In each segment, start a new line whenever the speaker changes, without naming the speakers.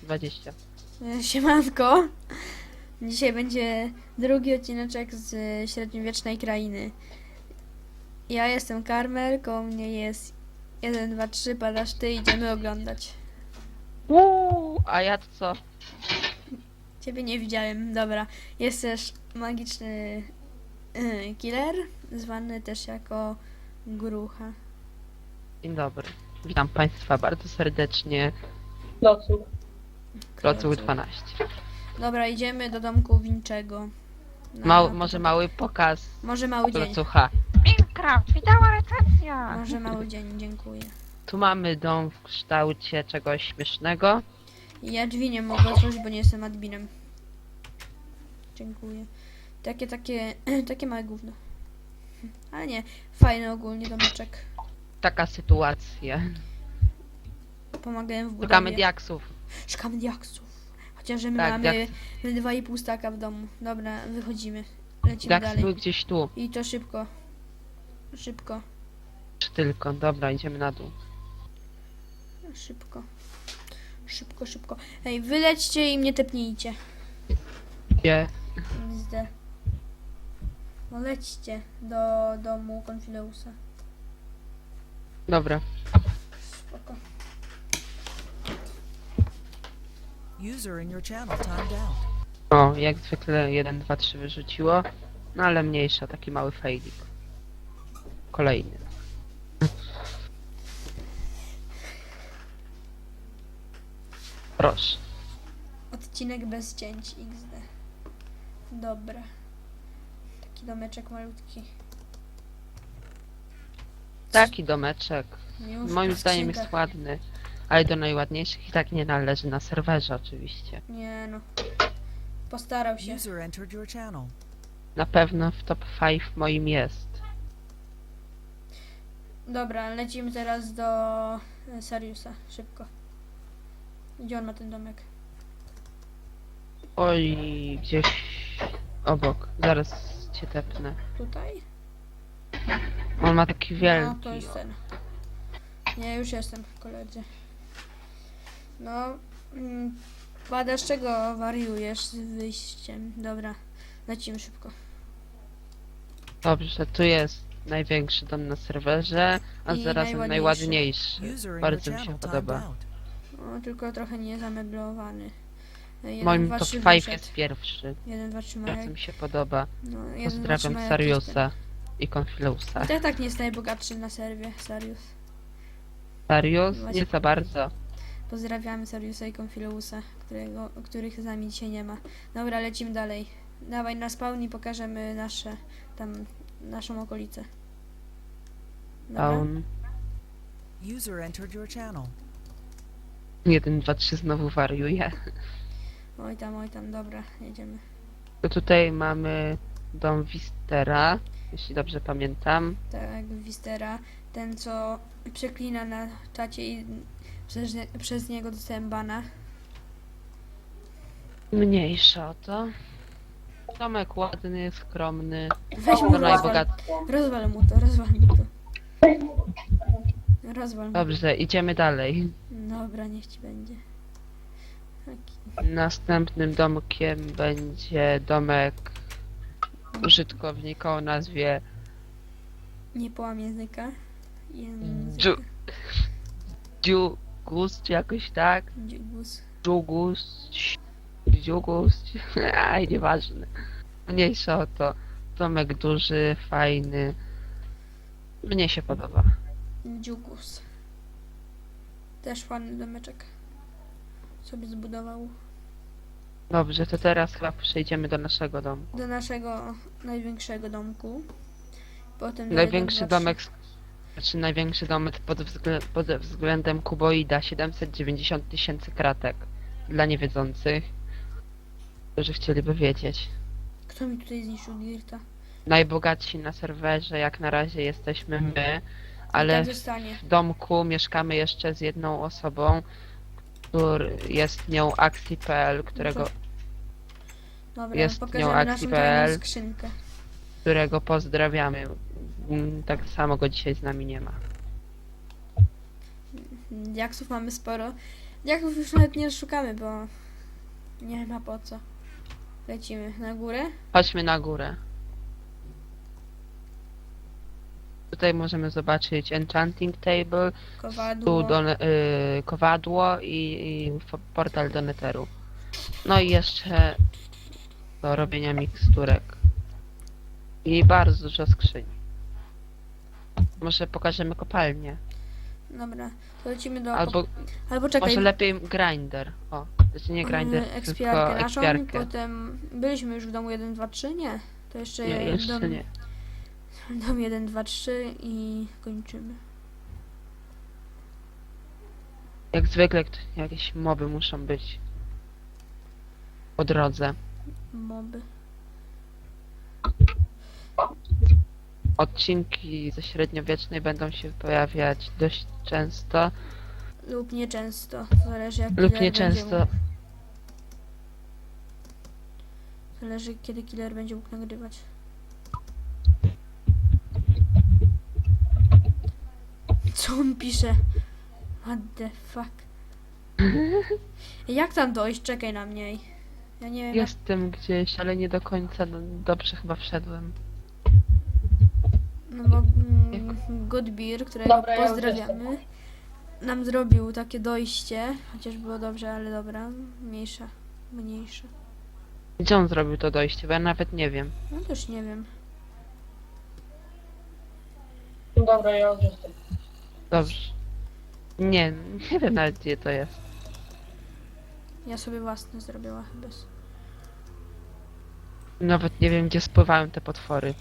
20.
Siemanko. Dzisiaj będzie drugi odcineczek z średniowiecznej krainy. Ja jestem Karmel, koło mnie jest 1, 2, 3, padasz ty, idziemy oglądać.
A ja to co?
Ciebie nie widziałem, dobra. Jest też magiczny killer, zwany też jako Grucha.
Dzień dobry. Witam Państwa bardzo serdecznie.
Locu.
Klocuch 12.
Dobra, idziemy do domku Winczego. Na
Może mały pokaz
Może mały dzień.
Klocucha.
Minecraft, widała recenzja!
Może mały dzień, dziękuję.
Tu mamy dom w kształcie czegoś śmiesznego.
Ja drzwi nie mogę otworzyć, bo nie jestem adminem. Dziękuję. Takie małe gówno. Ale nie, fajny ogólnie domeczek.
Taka sytuacja.
Pomagają w budowie.
Szukamy diaksów.
Szukamy diaksów. Chociaż że my
Tak,
mamy 2,5 staka w domu. Dobra, wychodzimy. Lecimy
Diaksy
dalej.
były gdzieś tu.
I to szybko. Szybko.
Czy tylko? Dobra, idziemy na dół.
Szybko. Szybko, szybko. Ej, wylećcie i mnie tepnijcie.
Gdzie?
XD. No lećcie do domu Konfileusa.
Dobra.
Spoko.
User in your channel timed out.
O, jak zwykle 1, 2, 3 wyrzuciło. No ale mniejsza, taki mały failik. Kolejny. Proszę.
Odcinek bez cięć XD. Dobra. Taki domeczek malutki.
Taki domeczek.
Już
Moim zdaniem
skrzynka.
jest ładny. Ale do najładniejszych i tak nie należy na serwerze oczywiście.
Nie no. Postarał się.
User entered your channel.
Na pewno w top 5 moim jest.
Dobra, lecimy teraz do Sariusa. Szybko. Gdzie on ma ten domek?
Oj, gdzieś obok. Zaraz cię tepnę.
Tutaj?
On ma taki
No,
wielki.
to jest ten. Nie, już jestem, koledzy. No, Pada, z czego wariujesz z wyjściem? Dobra, lecimy szybko.
Dobrze, tu jest największy dom na serwerze, a
I
zarazem najładniejszy.
User in your
Bardzo mi się
channel timed
podoba.
out.
O, tylko trochę nie zameblowany. 1,
Moim
2,
top
3
5
wyszedł.
jest pierwszy.
1, 2, 3
Bardzo
Majek.
mi się podoba.
No, 1, 2, 3
Pozdrawiam
Majek
Sariusa i Confileusa.
jestem. I tak nie jest najbogatszy na serwie, Sarius.
Sarius?
Właśnie.
Nie za bardzo.
Pozdrawiamy Sariusa i Confileusa, których z nami dzisiaj nie ma. Dobra, lecimy dalej. Dawaj na spawn i pokażemy naszą okolicę. Dobra?
On
User entered your channel.
1, 2, 3 znowu wariuje.
Oj tam, dobra, jedziemy.
To tutaj mamy dom Wistera, jeśli dobrze pamiętam.
Tak, Wistera. Ten, co przeklina na czacie i przez niego dostałem bana.
Mniejsza o to. Domek ładny, skromny.
Weź mu
To
rozwal.
najbogatszy.
Rozwal mu to, rozwal mu to. Rozwal mu.
Dobrze, idziemy dalej.
Dobra, niech ci będzie. Taki.
Następnym domkiem będzie domek użytkownika o nazwie
Nie połam języka.
Dżu... Dziugus, czy jakoś tak?
Dziugus.
Dżugus... Dziugus... Aj, nieważne. Mniejsza o to. Domek duży, fajny. Mnie się podoba.
Dziugus. Też ładny domeczek. Sobie zbudował.
Dobrze, to teraz chyba przejdziemy do naszego domu.
Do naszego największego domku. Potem do
Największy
1, 2, 3.
domek, znaczy największy domek pod względem kuboida 790 tysięcy kratek. Dla niewiedzących, którzy chcieliby wiedzieć.
Kto mi tutaj zniszczył Dirta?
Najbogatsi na serwerze jak na razie jesteśmy my,
Ale
ale
tak zostanie.
w domku mieszkamy jeszcze z jedną osobą, który jest nią Axi.pl,
Dobra,
jest nią
pokażemy naszą
Axi.pl.
tajną skrzynkę.
którego pozdrawiamy. Tak samo go dzisiaj z nami nie ma.
Diaksów mamy sporo. Jak już nawet nie szukamy, bo nie ma po co. Lecimy na górę.
Chodźmy na górę. Tutaj możemy zobaczyć enchanting table,
Kowadło.
kowadło i portal do netheru. No i jeszcze do robienia miksturek. I bardzo dużo skrzyń. Może pokażemy kopalnię.
Dobra, to lecimy do...
Albo
czekaj.
może lepiej grinder. O, znaczy nie grinder, tylko
Ekspiarkę naszą,
ekspiarkę.
potem byliśmy już w domu 1, 2, 3, nie? To jeszcze,
Nie, jeszcze
dom,
nie.
dom 1, 2, 3 i kończymy.
Jak zwykle jakieś moby muszą być po drodze.
Moby.
Odcinki ze średniowiecznej będą się pojawiać dość często
Lub nieczęsto, zależy jak
lub
killer będzie
nieczęsto.
mógł. Zależy kiedy killer będzie mógł nagrywać. Co on pisze? What the fuck? Jak tam dojść? Czekaj na mnie. Ja nie wiem.
Jestem gdzieś, ale nie do końca dobrze chyba wszedłem.
No bo Godbeer, którego pozdrawiamy, nam zrobił takie dojście, chociaż było dobrze, ale dobra, mniejsze.
Gdzie on zrobił to dojście? Bo ja nawet nie wiem.
No też nie wiem.
Dobra, ja już jestem.
Dobrze. Nie wiem nawet gdzie to jest.
Ja sobie własne zrobiła bez.
Nawet nie wiem gdzie spływają te potwory.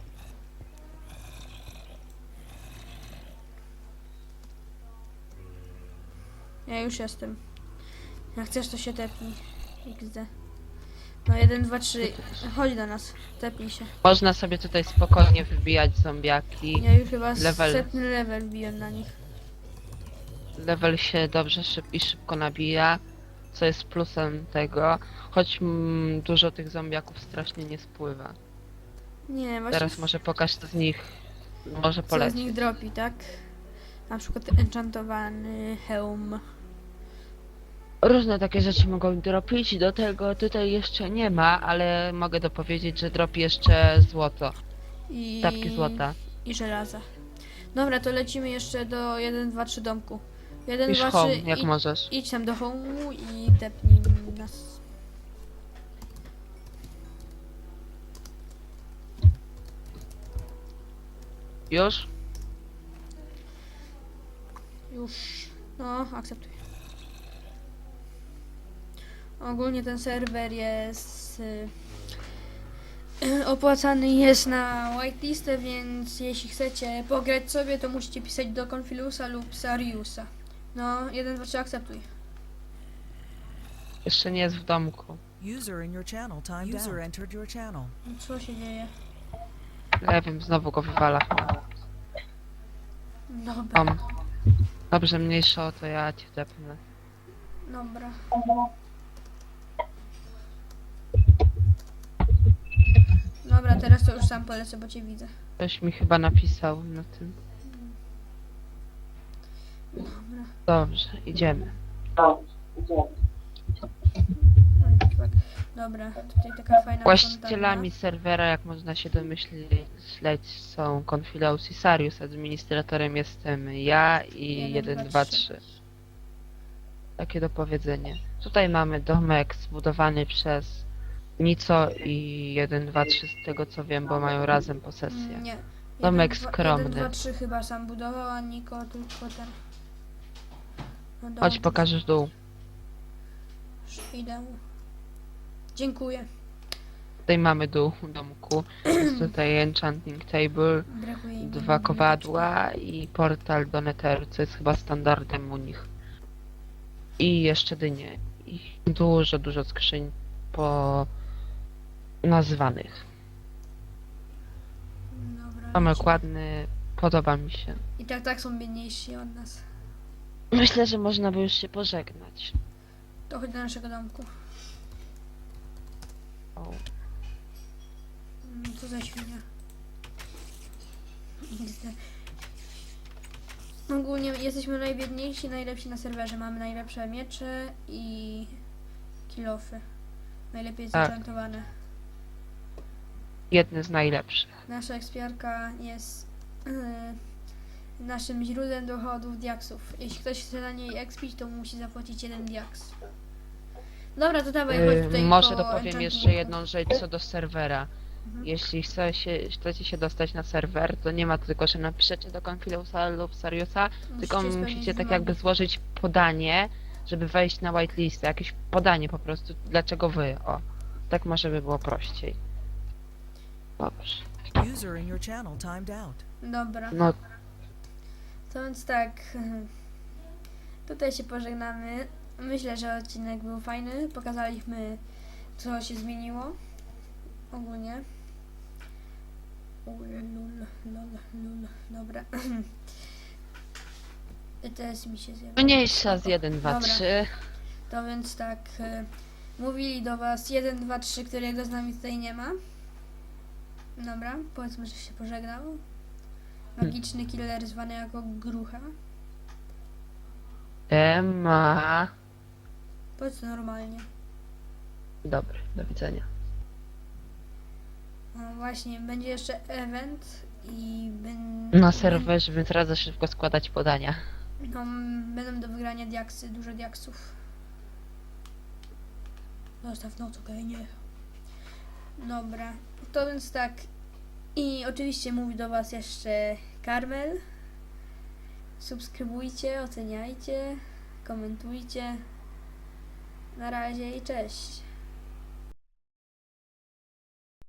Ja już jestem. Jak chcesz to się tepnij. XD. No 1, 2, 3. Chodź do nas. Tepnij się.
Można sobie tutaj spokojnie wybijać zombiaki.
Ja już chyba
Level.
100 level wbiłem na nich.
Level się dobrze i szybko nabija, co jest plusem tego, choć dużo tych zombiaków strasznie nie spływa.
Nie, właśnie
Teraz może pokaż co z nich może
co z
polecieć.
nich dropi, tak? Na przykład enchantowany hełm.
Różne takie rzeczy mogą dropić, do tego tutaj jeszcze nie ma, ale mogę dopowiedzieć, że dropi jeszcze złoto,
I...
tapki złota.
I żelaza. Dobra, to lecimy jeszcze do 1, 2, 3 domku. 1,
Pisz
2,
home,
3
jak możesz.
idź tam do home'u i tepnij nas.
Już?
Już. No, akceptuję. Ogólnie ten serwer jest opłacany jest na whitelistę, więc jeśli chcecie pograć sobie, to musicie pisać do Confilusa lub Sariusa. No, 1, 2, 3 akceptuj.
Jeszcze nie jest w domku.
User in your channel timed out. User entered your channel.
Co się dzieje?
Ja wiem, znowu go wywala.
Dobra,
Dobrze, mniejsza o to, ja cię tepnę.
dobra. Dobra, teraz to już sam polecę, bo cię widzę.
Ktoś mi chyba napisał na tym.
Dobra.
Dobrze, idziemy.
Dobra, tutaj taka fajna
Właścicielami serwera, jak można się domyśleć, są Confilaus i Sarius. Administratorem jestem ja i 1, 2, 3. Takie dopowiedzenie. Tutaj mamy domek zbudowany przez Nico i 1, 2, 3 z tego co wiem, bo mają razem posesję.
Nie.
Domek
1,
skromny.
2, 3 chyba sam budował, a Niko tylko ten. No
Chodź,
dobrze,
pokażesz dół.
już idę. Dziękuję.
Tutaj mamy dół domku. Jest tutaj enchanting table,
Brakuje mi
2 kowadła i portal do netheru, co jest chyba standardem u nich. I jeszcze dynie. I dużo skrzyń nazwanych.
Dobra,
Domek
lecimy.
ładny, podoba mi się.
I tak są biedniejsi od nas.
Myślę, że można by już się pożegnać.
To chodź do naszego domku.
O,
Co za świnia. XD. Ogólnie jesteśmy najbiedniejsi, najlepsi na serwerze. Mamy najlepsze miecze i kilofy. Najlepiej
Tak.
zaczętowane.
Jedny z najlepszych.
Nasza ekspiarka jest naszym źródłem dochodów diaksów. Jeśli ktoś chce na niej expić, to musi zapłacić 1 diaks. Dobra, to dawaj, chodź tutaj
Może
po
dopowiem
enchantu.
jeszcze jedną rzecz co do serwera.
Mhm.
Jeśli chcecie się dostać na serwer, to nie ma tylko, że napiszecie do Confileusa lub Sariusa, tylko
spełnić
musicie tak
wymogi.
jakby złożyć podanie, żeby wejść na whitelist. Jakieś podanie po prostu, dlaczego wy, o. Tak może by było prościej. Dobrze.
User in your channel timed out.
Dobra,
No,
to więc tak. Tutaj się pożegnamy. Myślę, że odcinek był fajny. Pokazaliśmy, co się zmieniło. Ogólnie. Lul. Dobra. ETS mi się zjadł.
mniejsza z 1, 2,
Dobra.
3.
To więc tak. Mówili do was 1, 2, 3, którego z nami tutaj nie ma. Dobra, powiedzmy, że się pożegnał. Magiczny killer zwany jako Grucha.
Ma.
Powiedz to normalnie.
Dobry, do widzenia.
No właśnie, będzie jeszcze event i
Na serwerze, więc radzę szybko składać podania.
no, będą do wygrania diaksy, dużo diaksów. Zostaw noc, okej, nie. Dobra, to więc tak. I oczywiście mówi do was jeszcze Karmel. Subskrybujcie, oceniajcie, komentujcie. Na razie i cześć.